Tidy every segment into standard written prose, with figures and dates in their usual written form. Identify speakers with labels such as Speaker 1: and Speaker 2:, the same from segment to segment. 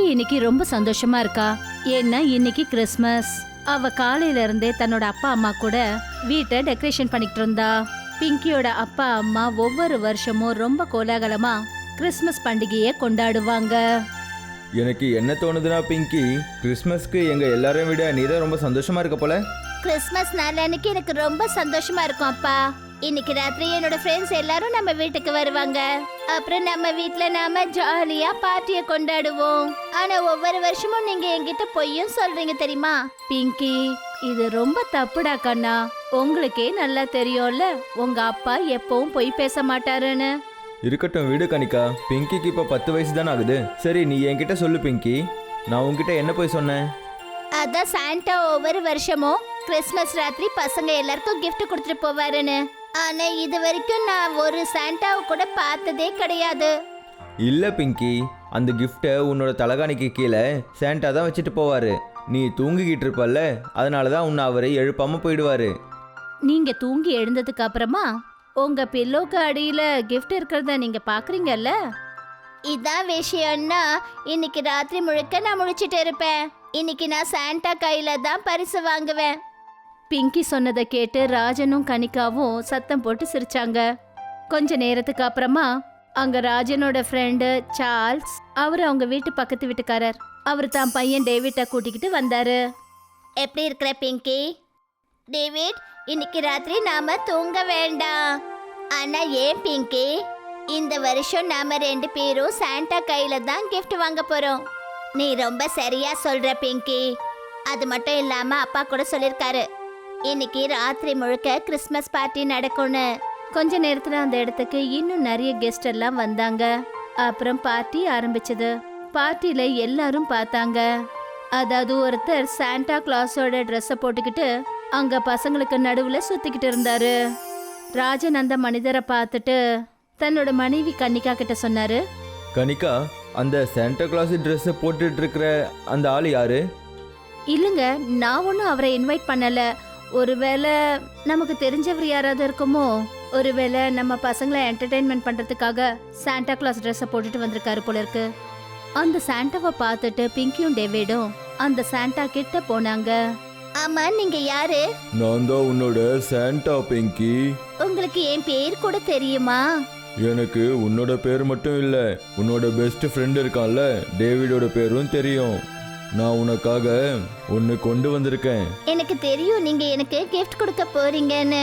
Speaker 1: இன்னைக்கு ரொம்ப சந்தோஷமா இருக்கா. ஏன்னா இன்னைக்கு கிறிஸ்மஸ். அவ காலையில இருந்தே தன்னோட அப்பா அம்மா கூட வீட்டை டெக்கரேஷன் பண்ணிட்டு இருந்தா. பிங்கியோட அப்பா அம்மா ஒவ்வொரு வருஷமும் ரொம்ப கோலாகலமா கிறிஸ்மஸ் பண்டிகையை கொண்டாடுவாங்க.
Speaker 2: எனக்கு என்ன தோணுதுன்னா பிங்கி, கிறிஸ்மஸ்க்கு எங்க எல்லாரையும் விட நீ தான் ரொம்ப சந்தோஷமா இருக்க போல.
Speaker 1: கிறிஸ்மஸ் நாள் அன்னைக்கு எனக்கு ரொம்ப சந்தோஷமா இருக்கும் அப்பா. இன்னைக்கு ராத்திரி என்னோட ஃப்ரெண்ட்ஸ் எல்லாரும் நம்ம வீட்டுக்கு வருவாங்க. அப்புறம் நம்ம வீட்ல நாம ஜாலியா பார்ட்டியை கொண்டாடுவோம். ஆனா ஒவ்வொரு வருஷமும் நீங்க என்கிட்ட பொய்யும் சொல்றீங்க தெரியுமா? பிங்கி, இது ரொம்ப தப்புடா கண்ணா. உங்களுக்கே நல்லா தெரியும்ல உங்க அப்பா எப்பவும் பொய் பேச மாட்டாருன்னு.
Speaker 2: இருக்கட்டும் விடு கனிகா, பிங்கிக்கு இப்போ 10 வயசு தானே ஆகுது. சரி நீ என்கிட்ட சொல்லு பிங்கி, நான் உன்கிட்ட என்ன போய் சொன்னேன்?
Speaker 1: அதான் சாண்டா ஒவ்வொரு வருஷமும் கிறிஸ்மஸ் ராத்திரி பசங்க எல்லாருக்கும் gift கொடுத்துட்டு போவாருன்னு. ஆனா இது வரைக்கும் நான் ஒரு சாண்டாவை கூட பார்த்ததே கிடையாது.
Speaker 2: இல்ல பிங்கி, அந்த கிஃப்டை உன்னோட தலகாணிக்கு கீழே சாண்டா தான் வச்சுட்டு போவாரு. நீ தூங்கிக்கிட்டு இருப்பல்ல, அதனால தான் உன்னை அவரை எழுப்பாம போயிடுவாரு.
Speaker 1: நீங்க தூங்கி எழுந்ததுக்கு அப்புறமா உங்க பில்லோக்கு அடியில gift இருக்கிறத நீங்க பாக்குறீங்கல்ல. இதான் விஷயம்னா இன்னைக்கு ராத்திரி முழுக்க நான் முழிச்சிட்டு இருப்பேன். இன்னைக்கு நான் சாண்டா கையில தான் பரிசு வாங்குவேன். பிங்கி சொன்னதை கேட்டு ராஜனும் கனிகாவும் சத்தம் போட்டு சிரிச்சாங்க. கொஞ்ச நேரத்துக்கு அப்புறமா அங்க ராஜனோட ஃப்ரெண்டு சார்ல்ஸ், அவர் அவங்க வீட்டு பக்கத்து வீட்டுக்காரர், அவர் தான் பையன் டேவிட்டை கூட்டிக்கிட்டு வந்தாரு. எப்படி இருக்கிற பிங்கி? டேவிட், இன்னைக்கு ராத்திரி நாம தூங்க வேண்டாம். ஆனா ஏன் பிங்கி? இந்த வருஷம் நாம 2 பேரும் சாண்டா கையில தான் gift வாங்க போறோம். நீ ரொம்ப சரியா சொல்ற பிங்கி. அது மட்டும் இல்லாம அப்பா கூட சொல்லிருக்காரு இன்னைக்கு ராத்திரி முழுக்க கிறிஸ்மஸ் பார்ட்டி நடக்கும்னு. கொஞ்ச நேரத்துல அந்த இடத்துக்கு இன்னும் நிறைய கெஸ்ட் எல்லாம் வந்தாங்க. அப்புறம் பார்ட்டி ஆரம்பிச்சது. பார்ட்டில எல்லாரும் பார்த்தாங்க. அதாவது ஒருத்தர் சாண்டா கிளாஸோட ட்ரெஸ்ஸை போட்டுக்கிட்டு அங்க பசங்களுக்கு நடுவுல சுத்திக்கிட்டு இருந்தாரு. ராஜன் அந்த மனிதரை பார்த்துட்டு தன்னோட மனைவி கன்னிகா கிட்ட சொன்னாரு,
Speaker 2: கனிகா, அந்த சாண்டா கிளாஸ் ட்ரெஸ்ஸை போட்டுட்டு இருக்கிற அந்த ஆள் யாரு?
Speaker 1: இல்லைங்க, நான் ஒன்றும் அவரை இன்வைட் பண்ணல. ஒருவேளை நமக்கு தெரிஞ்சவர் யாராவது இருக்குமோ. ஒருவேளை நம்ம பசங்களை என்டர்டெயின்மெண்ட் பண்றதுக்காக சாண்டா கிளாஸ் ட்ரெஸ்ஸை போட்டுட்டு வந்திருக்காரு போல இருக்கு. அந்த சாண்டாவை பார்த்துட்டு பிங்கியும் டேவிடும் அந்த சாண்டா கிட்ட போனாங்க. ஆமா, நீங்க யாரு?
Speaker 2: நான் தான் உன்னோட சாண்டா பிங்கி.
Speaker 1: உங்களுக்கு என் பேர் கூட தெரியுமா?
Speaker 2: எனக்கு உன்னோட பேர் மட்டும் இல்ல, உன்னோட பெஸ்ட் ஃப்ரெண்ட் இருக்கான்ல டேவிடோட பேரும் தெரியும். நான் உனக்காக ஒன்னு கொண்டு வந்திருக்கேன்.
Speaker 1: எனக்கு தெரியும் நீங்க எனக்கு கிஃப்ட் கொடுக்க போறீங்கன்னு.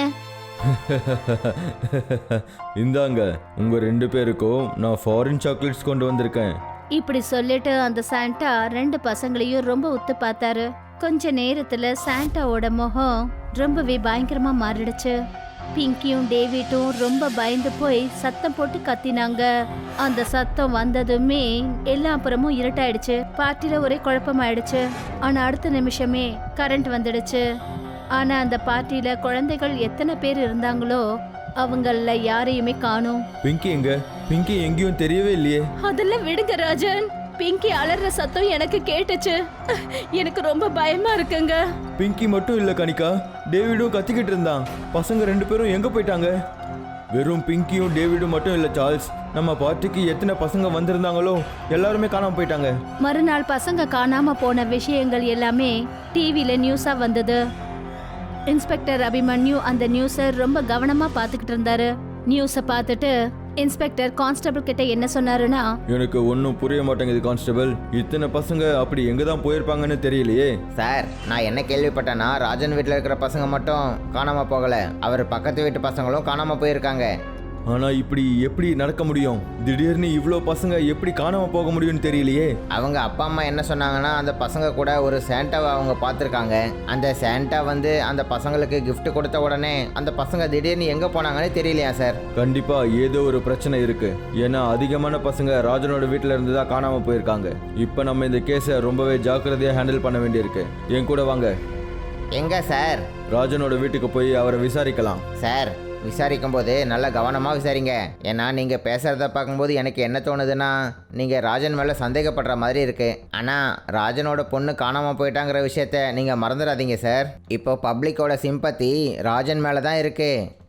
Speaker 2: இந்தாங்க, உங்க 2 பேருக்கும் நான் ஃபாரின் சாக்லேட்ஸ் கொண்டு வந்திருக்கேன்.
Speaker 1: இப்படி சொல்லிட்டு அந்த சாண்டா 2 பசங்களையும் ரொம்ப உத்து பார்த்தாரு. கொஞ்ச நேரத்துல சாண்டாவோட முகம் ரொம்பவே பயங்கரமா மாறிடுச்சு. பிங்கியும் டேவிட்டும் ரொம்ப பயந்து போய் சத்தம் போட்டு கத்தினாங்க. அந்த சத்தம் வந்ததுமே எல்லா அப்புறமும் இருட்டாயிடுச்சு. பார்ட்டில ஒரே குழப்பமாயிடுச்சு. ஆனா அடுத்த நிமிஷமே கரண்ட் வந்துடுச்சு. ஆனா அந்த பார்ட்டில குழந்தைகள் எத்தனை பேர் இருந்தாங்களோ அவங்கள யாரையுமே காணோம்.
Speaker 2: பிங்கி எங்க? பிங்கி எங்கேயும் தெரியவே இல்லையே.
Speaker 1: அதெல்லாம் விடுங்க ராஜன். பிங்கி அலற சத்தம் எனக்கு கேட்டுச்சு. எனக்கு ரொம்ப பயமா இருக்குங்க.
Speaker 2: பிங்கி மட்டும் இல்ல கனிகா, டேவிடும் கத்திக்கிட்டு இருந்தான். பசங்க 2 பேரும் எங்க போயிட்டாங்க? வெறும் பிங்கியும் டேவிடும் மட்டும் இல்ல சார்ல்ஸ், நம்ம பார்ட்டிக்கு எத்தனை பசங்க வந்திருந்தாங்களோ எல்லாருமே காணாம போயிட்டாங்க.
Speaker 1: மறுநாள் பசங்க காணாம போன விஷயங்கள் எல்லாமே டிவில நியூஸா வந்தது. இன்ஸ்பெக்டர் அபிமன்யு அந்த நியூஸை ரொம்ப கவனமா பார்த்துக்கிட்டு இருந்தாரு. நியூஸை பார்த்துட்டு இன்ஸ்பெக்டர் கான்ஸ்டபிள் கிட்ட என்ன சொன்னாருன்னா,
Speaker 2: எனக்கு ஒன்றும் புரிய மாட்டேங்குது கான்ஸ்டபிள், இத்தனை பசங்க அப்படி எங்க தான் போயிருப்பாங்கன்னு தெரியலையே.
Speaker 3: சார், நான் என்ன கேள்விப்பட்டேன்னா ராஜன் வீட்டில் இருக்கிற பசங்க மட்டும் காணாமல் போகலை, அவர் பக்கத்து வீட்டு பசங்களும் காணாமல் போயிருக்காங்க.
Speaker 2: ஆனா இப்படி எப்படி நடக்க முடியும்? திடீர்னு இவ்வளோ பசங்க எப்படி காணாம போக முடியும்னு தெரியலையே.
Speaker 3: அவங்க அப்பா அம்மா என்ன சொன்னாங்கன்னா அந்த பசங்க கூட ஒரு சாண்டாவை அவங்க பார்த்துருக்காங்க. அந்த சாண்டா வந்து அந்த பசங்களுக்கு gift கொடுத்த உடனே அந்த பசங்க திடீர்னு எங்கே போனாங்கன்னு தெரியலையா சார்?
Speaker 2: கண்டிப்பா ஏதோ ஒரு பிரச்சனை இருக்கு. ஏன்னா அதிகமான பசங்க ராஜனோட வீட்டில் இருந்து தான் காணாம போயிருக்காங்க. இப்போ நம்ம இந்த கேஸை ரொம்பவே ஜாக்கிரதையாக ஹேண்டில் பண்ண வேண்டியிருக்கு. என் கூட வாங்க.
Speaker 3: எங்கே சார்?
Speaker 2: ராஜனோட வீட்டுக்கு போய் அவரை விசாரிக்கலாம்.
Speaker 3: சார், விசாரிக்கும் போது நல்லா கவனமாக விசாரிங்க. ஏன்னா நீங்கள் பேசுகிறத பார்க்கும்போது எனக்கு என்ன தோணுதுன்னா நீங்கள் ராஜன் மேலே சந்தேகப்படுற மாதிரி இருக்குது. ஆனால் ராஜனோட பொண்ணு காணாமல் போயிட்டாங்கிற விஷயத்த நீங்கள் மறந்துடாதீங்க சார். இப்போ பப்ளிக்கோட சிம்பத்தி ராஜன் மேலே தான் இருக்குது.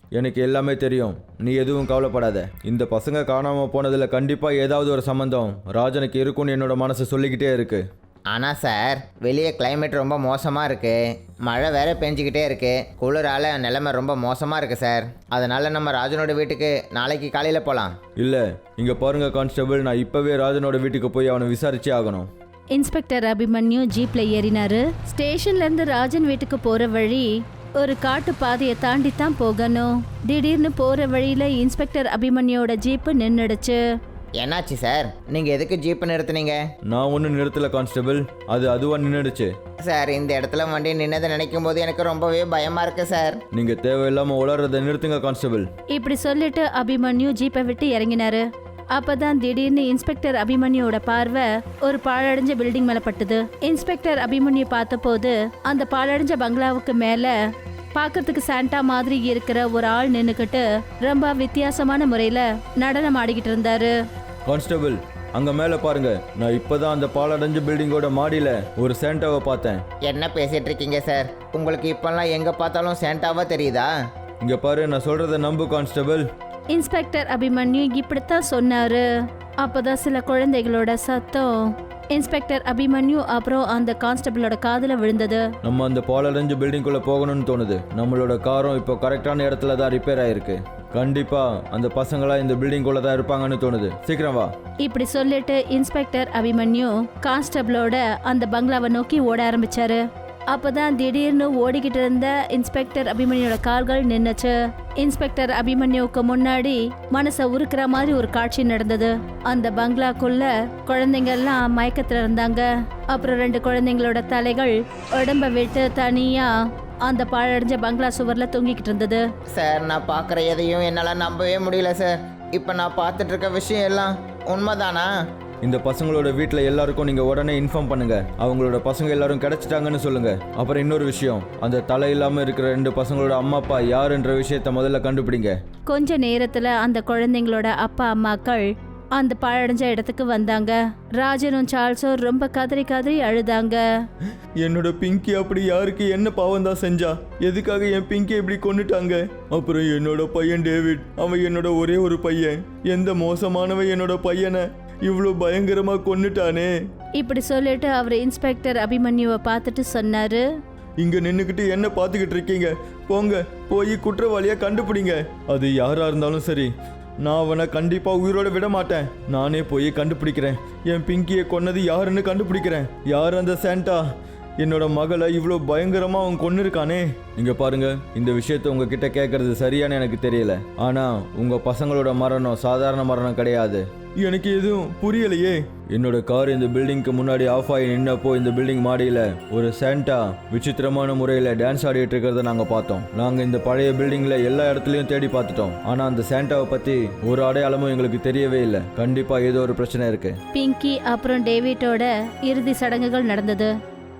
Speaker 2: எனக்கு எல்லாமே தெரியும், நீ எதுவும் கவலைப்படாத. இந்த பசங்க காணாமல் போனதில் கண்டிப்பாக ஏதாவது ஒரு சம்மந்தம் ராஜனுக்கு இருக்கும்னு என்னோட மனசு சொல்லிக்கிட்டே இருக்கு.
Speaker 3: ஆனால் சார், வெளியே கிளைமேட் ரொம்ப மோசமாக இருக்குது. மழை வேற பெஞ்சிக்கிட்டே இருக்குது. குளிரால் நிலைமை ரொம்ப மோசமாக இருக்குது சார். அதனால் நம்ம ராஜனோட வீட்டுக்கு நாளைக்கு காலையில் போகலாம்.
Speaker 2: இல்லை, இங்கே பாருங்க கான்ஸ்டபிள், நான் இப்போவே ராஜனோட வீட்டுக்கு போய் அவனை விசாரிச்சே ஆகணும்.
Speaker 1: இன்ஸ்பெக்டர் அபிமன்யு ஜீப்ல ஏறினாரு. ஸ்டேஷன்ல இருந்து ராஜன் வீட்டுக்கு போற வழி ஒரு காட்டு பாதையை தாண்டி தான் போகணும். திடீர்னு போற வழியில இன்ஸ்பெக்டர் அபிமன்யோட ஜீப்பு நின்னுடுச்சு.
Speaker 3: என்னாச்சு சார்? நீங்கள் எதுக்கு ஜீப்பை நிறுத்துனீங்க?
Speaker 2: நான் ஒன்றும் நிறுத்தலை கான்ஸ்டபிள், அது அதுவாக நின்றுடுச்சு.
Speaker 3: சார், இந்த இடத்துல வண்டி நின்னதை நினைக்கும் போது எனக்கு ரொம்பவே பயமாக இருக்குது சார்.
Speaker 2: நீங்கள் தேவையில்லாமல் உளறதை நிறுத்துங்க கான்ஸ்டபிள்.
Speaker 1: இப்படி சொல்லிட்டு அபிமன்யு ஜீப்பை விட்டு இறங்கினாரு. அப்பதான் திடீர்னு இன்ஸ்பெக்டர் அபிமன்யோட பார்வை ஒரு பாழடைஞ்ச பில்டிங் மேல பட்டுது. இன்ஸ்பெக்டர் அபிமன்யு பார்த்தபோது அந்த பாழடைஞ்ச பங்களாவுக்கு மேல பார்க்கறதுக்கு சாண்டா மாதிரி இருக்கிற ஒரு ஆள் நின்னுக்கிட்டு ரொம்ப வித்தியாசமான முறையில நடனம் ஆடிக்கிட்டு இருந்தாரு.
Speaker 2: கான்ஸ்டபிள், அங்கே மேலே பாருங்க, நான் இப்போதான் அந்த பாலடைஞ்ச பில்டிங்கோட மாடியில் ஒரு சேண்டாவை பார்த்தேன்.
Speaker 3: என்ன பேசிகிட்டு இருக்கீங்க சார்? உங்களுக்கு இப்போல்லாம் எங்கே பார்த்தாலும் சேண்டாவா தெரியுதா?
Speaker 2: இங்கே பாரு, நான் சொல்கிறத நம்பு கான்ஸ்டபிள்.
Speaker 1: இன்ஸ்பெக்டர் அபிமன்யு இப்படித்தான் சொன்னாரு. அப்பதான் சில குழந்தைகளோட சத்தம் இன்ஸ்பெக்டர் அபிமன்யு அப்புறம் அந்த கான்ஸ்டபிளோட காதுல விழுந்தது.
Speaker 2: நம்ம அந்த பாலடைஞ்ச பில்டிங்குள்ளே போகணும்னு தோணுது. நம்மளோட காரும் இப்போ கரெக்டான இடத்துல தான் ரிப்பேர் ஆயிருக்கு. கண்டிப்பா அந்த பசங்களா இந்த பில்டிங்குள்ள தான் இருப்பாங்கன்னு தோணுது. சீக்கிரம் வா.
Speaker 1: இப்படி சொல்லிட்டு இன்ஸ்பெக்டர் அபிமன்யு கான்ஸ்டபிளோட அந்த பங்களாவை நோக்கி ஓட ஆரம்பிச்சாரு. அப்பதான் திடீர்னு ஓடிக்கிட்டு இருந்த இன்ஸ்பெக்டர் அபிமன்யோட கால்கள் நின்னுச்சு. இன்ஸ்பெக்டர் அபிமன்யுக்கு முன்னாடி மனசை உருக்குற மாதிரி ஒரு காட்சி நடந்தது. அந்த பங்களாக்குள்ள குழந்தைங்க எல்லாம் மயக்கத்துல இருந்தாங்க. அப்புறம் 2 குழந்தைங்களோட தலைகள் உடம்ப விட்டு தனியா அந்த பாழடைஞ்ச பங்களா சுவர்ல தூங்கிக்கிட்டு இருந்தது.
Speaker 3: சார், நான் பார்க்குற எதையும் என்னால் நம்பவே முடியல சார். இப்போ நான் பார்த்துட்டு இருக்க விஷயம் எல்லாம் உண்மைதானா?
Speaker 2: இந்த பசங்களோட வீட்டில் எல்லாருக்கும் நீங்கள் உடனே இன்ஃபார்ம் பண்ணுங்க. அவங்களோட பசங்க எல்லாரும் கிடைச்சிட்டாங்கன்னு சொல்லுங்க. அப்புறம் இன்னொரு விஷயம், அந்த தலை இல்லாமல் இருக்கிற 2 பசங்களோட அம்மா அப்பா யாருன்ற விஷயத்த முதல்ல கண்டுபிடிங்க.
Speaker 1: கொஞ்ச நேரத்துல அந்த குழந்தைங்களோட அப்பா அம்மாக்கள் அந்த பாழடைஞ்ச இடத்துக்கு வந்தாங்க. ராஜனும் சார்ல்ஸும் ரொம்ப கதறி கதறி அழுதாங்க.
Speaker 2: என்னோட பிங்கி அப்படி யாருக்கு என்ன பாவம் தான் செஞ்சா? எதுக்காக என் பிங்கி இப்படி கொண்டுட்டாங்க? அப்புறம் என்னோட பையன் டேவிட், அவன் என்னோட ஒரே ஒரு பையன். எந்த மோசமானவன் என்னோட பையனை இவ்வளோ பயங்கரமா கொன்னுட்டானே.
Speaker 1: இப்படி சொல்லிட்டு அவர் இன்ஸ்பெக்டர் அபிமன்யுவை பார்த்துட்டு சொன்னாரு,
Speaker 2: இங்க நின்றுக்கிட்டு என்ன பார்த்துக்கிட்டு இருக்கீங்க? போங்க, போய் குற்றவாளியை கண்டுபிடிங்க. அது யாரா இருந்தாலும் சரி, நான் அவனை கண்டிப்பா உயிரோட விட மாட்டேன். நானே போய் கண்டுபிடிக்கிறேன். என் பிங்கியை கொன்னது யாருன்னு கண்டுபிடிக்கிறேன். யார் அந்த சாண்டா? என்னோட மகளை இவ்வளோ பயங்கரமா அவன் கொன்னு இருக்கானே. இங்க பாருங்க, இந்த விஷயத்த உங்ககிட்ட கேட்கறது சரியானு எனக்கு தெரியல. ஆனா உங்க பசங்களோட மரணம் சாதாரண மரணம் கிடையாது. எனக்கு எதுவும் புரியலையே. என்னோட கார் இந்த பில்டிங்க்கு முன்னாடி ஆஃப் ஆகி நின்னப்போ இந்த பில்டிங் மாடியில் ஒரு சாண்டா விசித்திரமான முறையில் டான்ஸ் ஆடிட்டு இருக்கிறத நாங்கள் பார்த்தோம். நாங்கள் இந்த பழைய பில்டிங்கில் எல்லா இடத்துலையும் தேடி பார்த்துட்டோம். ஆனால் அந்த சாண்டாவை பற்றி ஒரு அடையாளமும் எங்களுக்கு தெரியவே இல்லை. கண்டிப்பாக ஏதோ ஒரு பிரச்சனை இருக்கு.
Speaker 1: பிங்கி அப்புறம் டேவிட்டோட இறுதி சடங்குகள் நடந்தது.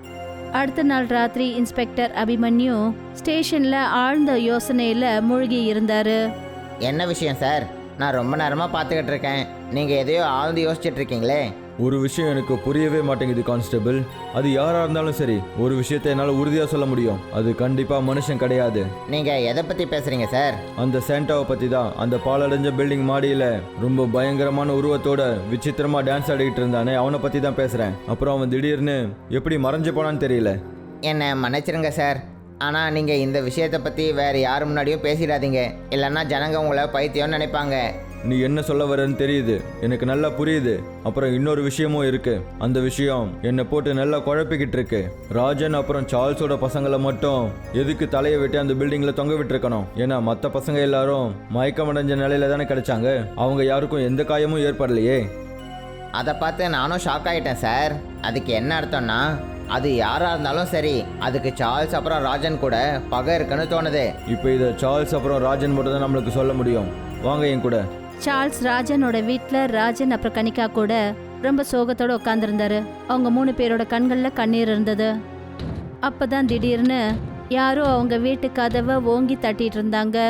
Speaker 1: அடுத்த நாள் ராத்திரி இன்ஸ்பெக்டர் அபிமன்யு ஸ்டேஷன்ல ஆழ்ந்த யோசனையில மூழ்கி இருந்தாரு.
Speaker 3: என்ன விஷயம் சார்? நான் ரொம்ப நேரமாக பார்த்துக்கிட்டு இருக்கேன். நீங்கள் எதையோ ஆழ்ந்து யோசிச்சுட்டு இருக்கீங்களே.
Speaker 2: ஒரு விஷயம் எனக்கு புரியவே மாட்டேங்குது கான்ஸ்டபிள். அது யாராக இருந்தாலும் சரி, ஒரு விஷயத்தை என்னால் உறுதியாக சொல்ல முடியும். அது கண்டிப்பாக மனுஷன் கிடையாது.
Speaker 3: நீங்கள் எதை பற்றி பேசுகிறீங்க சார்?
Speaker 2: அந்த சாண்டாவை பற்றி தான். அந்த பாலடைஞ்ச பில்டிங் மாடியில் ரொம்ப பயங்கரமான உருவத்தோட விசித்திரமாக டான்ஸ் ஆடிக்கிட்டு இருந்தானே, அவனை பற்றி தான் பேசுகிறேன். அப்புறம் அவன் திடீர்னு எப்படி மறைஞ்சு போனான்னு தெரியல.
Speaker 3: என்னை மன்னிச்சிருங்க சார். ஆனால் நீங்கள் இந்த விஷயத்தை பற்றி வேறு யார் முன்னாடியும் பேசிடாதீங்க. இல்லைன்னா ஜனங்க உங்களை பைத்தியம்னு நினைப்பாங்க.
Speaker 2: நீ என்ன சொல்ல வரன்னு தெரியுது, எனக்கு நல்லா புரியுது. அப்புறம் இன்னொரு விஷயமும் இருக்கு. அந்த விஷயம் என்னை போட்டு நல்லா குழப்பிக்கிட்டு இருக்கு. ராஜன் அப்புறம் சார்ல்ஸோட பசங்களை மட்டும் எதுக்கு தலையை விட்டு அந்த பில்டிங்ல தொங்க விட்டுருக்கணும்? ஏன்னா மற்ற பசங்க எல்லாரும் மயக்கமடைஞ்ச நிலையில தானே கிடைச்சாங்க. அவங்க யாருக்கும் எந்த காயமும் ஏற்படலையே.
Speaker 3: அதை பார்த்து நானும் ஷாக் ஆகிட்டேன் சார். அதுக்கு என்ன அர்த்தம்னா, அது யாராக இருந்தாலும் சரி, அதுக்கு சார்ல்ஸ் அப்புறம் ராஜன் கூட பகை இருக்குன்னு தோணுது.
Speaker 2: இப்போ இதை சார்ல்ஸ் அப்புறம் ராஜன் மட்டும் தான் நம்மளுக்கு சொல்ல முடியும். வாங்க என் கூட.
Speaker 1: சார்ல்ஸ் ராஜனோட வீட்டில் ராஜன் அப்புறம் கனிகா கூட ரொம்ப சோகத்தோட உட்காந்துருந்தாரு. அவங்க 3 பேரோட கண்களில் கண்ணீர் இருந்தது. அப்பதான் திடீர்னு யாரோ அவங்க வீட்டு கதவை ஓங்கி தட்டிட்டு இருந்தாங்க.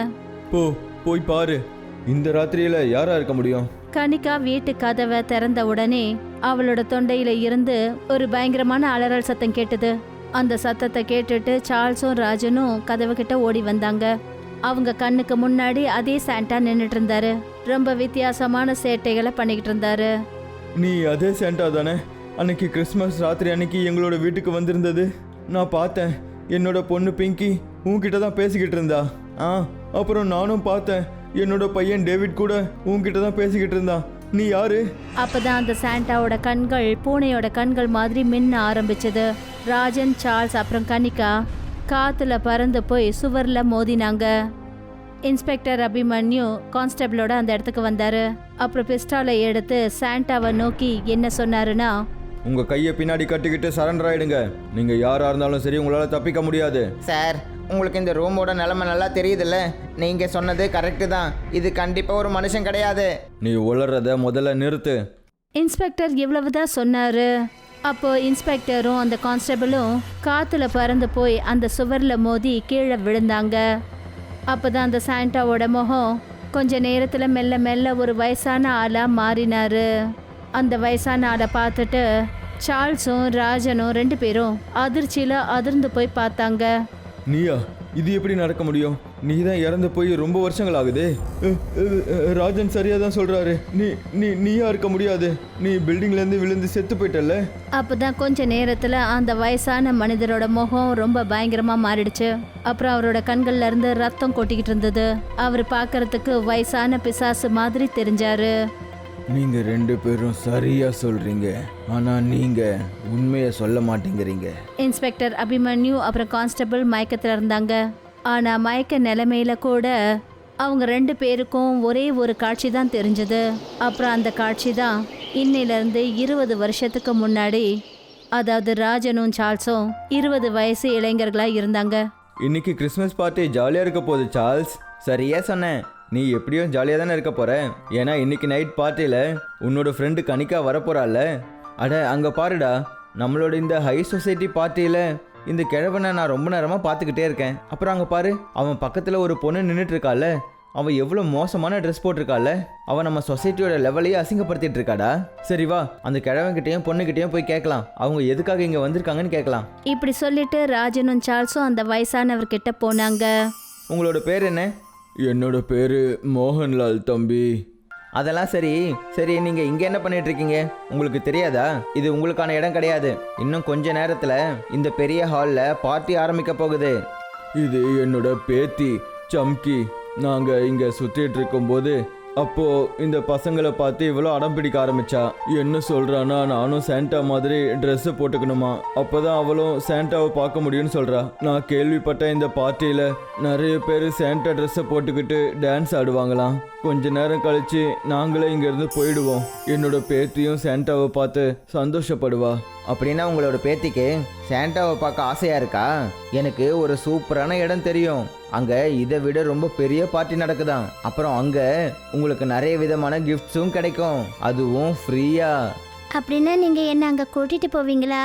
Speaker 2: போய் பாரு. இந்த ராத்திரியில யாரா இருக்க முடியும்?
Speaker 1: கனிகா வீட்டு கதவை திறந்த உடனே அவளோட தொண்டையில இருந்து ஒரு பயங்கரமான அலறல் சத்தம் கேட்டது. அந்த சத்தத்தை கேட்டுட்டு சார்ல்ஸும் ராஜனும் கதவு கிட்ட ஓடி வந்தாங்க. அவங்க கண்ணுக்கு முன்னாடி அதே சாண்டா நின்னுட்டு இருந்தாரு. ரொம்ப வித்தியாசமான சேட்டைகளை பண்ணிக்கிட்டு இருந்தாரு.
Speaker 2: நீ அதே சாண்டா தானே அன்னைக்கு கிறிஸ்மஸ் ராத்திரி அன்னைக்கு எங்களோட வீட்டுக்கு வந்திருந்தது? நான் பார்த்தேன். என்னோட பொண்ணு பிங்கி உன்கிட்ட தான் பேசிக்கிட்டு இருந்தா. அப்புறம் நானும் பார்த்தேன். என்னோட பையன் டேவிட் கூட உன்கிட்ட தான் பேசிக்கிட்டு இருந்தான். நீ யாரு?
Speaker 1: அப்பதான் அந்த சாண்டாவோட கண்கள் பூனையோட கண்கள் மாதிரி மின்ன ஆரம்பிச்சது. ராஜன், சார்ல்ஸ் அப்புறம் கனிகா காத்துல பறந்து போய் சுவர்ல மோதினாங்க. இன்ஸ்பெக்டர் அபிமன்யு கான்ஸ்டபிளோட அந்த இடத்துக்கு வந்தாரு. அப்புறம் பிஸ்டாலை எடுத்து சாண்டாவை நோக்கி என்ன சொன்னாருன்னா,
Speaker 2: உங்க கையை பின்னாடி கட்டிக்கிட்டு சரண்டர் ஆயிடுங்க. நீங்க யாரா இருந்தாலும் சரி, உங்களால தப்பிக்க முடியாது.
Speaker 3: சார், உங்களுக்கு இந்த ரூமோட நிலைமை நல்லா தெரியுதுல்ல. நீங்கள் சொன்னது கரெக்டு தான். இது கண்டிப்பாக ஒரு மனுஷன் கிடையாது.
Speaker 2: நீ உளறத முதல்ல நிறுத்து.
Speaker 1: இன்ஸ்பெக்டர் இவ்வளவுதான் சொன்னாரு. அப்போ இன்ஸ்பெக்டரும் அந்த கான்ஸ்டபிளும் காத்துல பறந்து போய் அந்த சுவர்ல மோதி கீழே விழுந்தாங்க. அப்பதான் அந்த சாண்டாவோட முகம் கொஞ்ச நேரத்துல மெல்ல மெல்ல ஒரு வயசான ஆளா மாறினாரு. அந்த வயசான ஆளை பார்த்துட்டு சார்ல்ஸும் ராஜனும் 2 பேரும் அதிர்ச்சியில அதிர்ந்து போய் பார்த்தாங்க.
Speaker 2: நீயா? இது எப்படி நடக்க முடியும்? நீ தான் இறந்து போய் ரொம்ப வருஷங்கள் ஆகுது. ராஜன் சரியா தான் சொல்றாரு. நீயா இருக்க முடியாது. நீ பில்டிங்ல இருந்து விழுந்து செத்து போயிட்டல்ல.
Speaker 1: அப்பதான் கொஞ்ச நேரத்துல அந்த வயசான மனிதரோட முகம் ரொம்ப பயங்கரமா மாறிடுச்சு. அப்புறம் அவரோட கண்கள்ல இருந்து ரத்தம் கொட்டிக்கிட்டு இருந்தது. அவர் பார்க்கறதுக்கு வயசான பிசாசு மாதிரி தெரிஞ்சாரு.
Speaker 2: நீங்க 2 பேரும் சரியா சொல்றீங்க, ஆனா நீங்க உண்மையை சொல்ல மாட்டேங்கிறீங்க.
Speaker 1: இன்ஸ்பெக்டர் அபிமன்யு அப்புறம் கான்ஸ்டபிள் மயக்கத்துல இருந்தாங்க. ஆனா மயக்க நிலைமையில கூட அவங்க 2 பேருக்கும் ஒரே ஒரு காட்சி தான் தெரிஞ்சது. அப்புறம் அந்த காட்சி தான் இன்னையிலிருந்து 20 வருஷத்துக்கு முன்னாடி, அதாவது ராஜனும் சார்ல்ஸும் 20 வயசு இளைஞர்களா இருந்தாங்க.
Speaker 2: இன்னைக்கு கிறிஸ்மஸ் பார்ட்டி ஜாலியா இருக்க போகுது சார்ல்ஸ்.
Speaker 3: சரியா சொன்னேன்.
Speaker 2: நீ எப்படியும் ஜாலியாக தானே இருக்க போற. ஏன்னா இன்னைக்கு நைட் பார்ட்டியில் உன்னோட ஃப்ரெண்டு கனிகா வரப்போறாள். அட அங்கே பாருடா, நம்மளோட இந்த ஹை சொசைட்டி பார்ட்டியில் இந்த கிழவனை நான் ரொம்ப நேரமாக பார்த்துக்கிட்டே இருக்கேன். அப்புறம் அங்கே பாரு, அவன் பக்கத்தில் ஒரு பொண்ணு நின்றுட்டு இருக்காள். அவன் எவ்வளோ மோசமான ட்ரெஸ் போட்டிருக்காள். அவன் நம்ம சொசைட்டியோட லெவலையே அசிங்கப்படுத்திட்டு இருக்காடா. சரி வா, அந்த கிழவன்கிட்டையும் பொண்ணுகிட்டையும் போய் கேட்கலாம், அவங்க எதுக்காக இங்கே வந்திருக்காங்கன்னு கேட்கலாம்.
Speaker 1: இப்படி சொல்லிட்டு ராஜனும் சார்ல்ஸும் அந்த வயசானவர்கிட்ட போனாங்க.
Speaker 3: உங்களோட பேர் என்ன?
Speaker 2: என்னோட பேர் மோகன்லால் தம்பி.
Speaker 3: அதெல்லாம் சரி சரி, நீங்கள் இங்கே என்ன பண்ணிட்டு இருக்கீங்க? உங்களுக்கு தெரியாதா இது உங்களுக்கான இடம் கிடையாது. இன்னும் கொஞ்ச நேரத்தில் இந்த பெரிய ஹாலில் பார்ட்டி ஆரம்பிக்க போகுது.
Speaker 2: இது என்னோட பேத்தி சம்கி. நாங்கள் இங்கே சுற்றிட்டு இருக்கும்போது அப்போது இந்த பசங்களை பார்த்து இவ்வளோ அடம் பிடிக்க ஆரம்பிச்சா. என்ன சொல்கிறான்னா, நானும் சாண்டா மாதிரி ட்ரெஸ்ஸை போட்டுக்கணுமா, அப்போ தான் அவளும் சாண்டாவை பார்க்க முடியும்னு சொல்கிறா. நான் கேள்விப்பட்ட இந்த பார்ட்டியில் நிறைய பேர் சாண்டா ட்ரெஸ்ஸை போட்டுக்கிட்டு டான்ஸ் ஆடுவாங்களாம். கொஞ்ச நேரம் கழித்து நாங்களே இங்கேருந்து போயிடுவோம். என்னோட பேத்தியும் சாண்டாவை பார்த்து சந்தோஷப்படுவா.
Speaker 3: அப்படின்னா உங்களோட பேத்திக்கு சாண்டாவை பார்க்க ஆசையாக இருக்கா? எனக்கு ஒரு சூப்பரான இடம் தெரியும். அங்கே இதை விட ரொம்ப பெரிய பார்ட்டி நடக்குதாம். அப்புறம் அங்கே உங்களுக்கு நிறைய விதமான கிஃப்ட்ஸும் கிடைக்கும், அதுவும் ஃப்ரீயா.
Speaker 1: அப்படின்னா நீங்க என்ன அங்க கூட்டிட்டு போவீங்களா?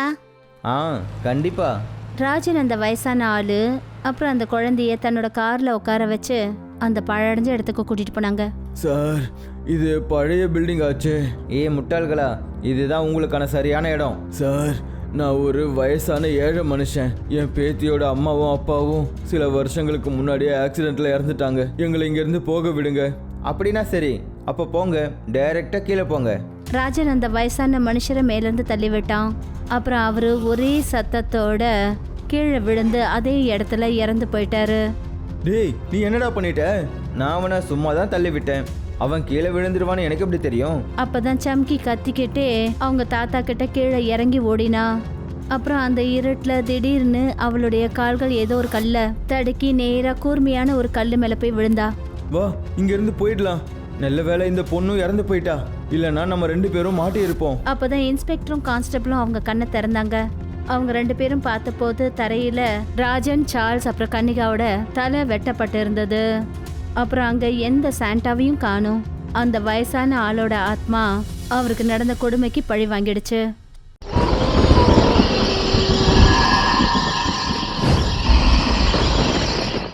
Speaker 3: கண்டிப்பா.
Speaker 1: ராஜன் அந்த வயசான ஆளு அப்புறம் அந்த குழந்தைய தன்னோட கார்ல உட்கார வச்சு அந்த பழடைஞ்ச இடத்துக்கு கூட்டிட்டு போனாங்க.
Speaker 2: சார், இது பழைய பில்டிங் ஆச்சு.
Speaker 3: முட்டாள்களா, இதுதான் உங்களுக்கான சரியான இடம்.
Speaker 2: சார், நான் ஒரு வயசான ஏழை மனுஷன். என் பேத்தியோட அம்மாவும் அப்பாவும் சில வருஷங்களுக்கு முன்னாடியே ஆக்சிடென்ட்ல இறந்துட்டாங்க. எங்களை இங்கேருந்து போக விடுங்க.
Speaker 3: அப்படின்னா சரி, அப்போ போங்க, டைரக்டாக கீழே போங்க.
Speaker 1: ராஜன் அந்த வயசான மனுஷரை மேலேருந்து தள்ளி விட்டான். அப்புறம் அவரு ஒரே சத்தத்தோட கீழே விழுந்து அதே இடத்துல இறந்து போயிட்டாரு.
Speaker 2: டேய், நீ என்னடா பண்ணிட்ட?
Speaker 3: நான் அவனை சும்மா தான் தள்ளி விட்டேன். அவன் கீழே விழுந்துருவான்னு எனக்கு எப்படி தெரியும்?
Speaker 1: அப்பதான் சம்கி கத்திக்கிட்டே அவங்க தாத்தா கிட்ட கீழே இறங்கி ஓடினா. அப்புறம் அந்த இருட்டுல திடீர்னு அவளுடைய கால்கள் ஏதோ ஒரு கல்ல தடுக்கி நேரா கூர்மையான ஒரு கல்லு மேல போய் விழுந்தா.
Speaker 2: வா, இங்கிருந்து போயிடலாம். நல்ல வேளை இந்த பொண்ணும் இறந்து போயிட்டா, இல்லைன்னா நம்ம 2 பேரும் மாட்டி இருப்போம்.
Speaker 1: அப்பதான் இன்ஸ்பெக்டரும் கான்ஸ்டபிளும் அவங்க கண்ணை திறந்தாங்க. அவங்க 2 பேரும் பார்த்தபோது தரையில ராஜன், சார்ல்ஸ் அப்புறம் கன்னிகாவோட தலை வெட்டப்பட்டு இருந்தது. அப்புறம் அங்க எந்த சாண்டாவையும் காணோம். அந்த வயசான ஆளோட ஆத்மா அவருக்கு நடந்த கொடுமைக்கு பழி வாங்கிடுச்சு.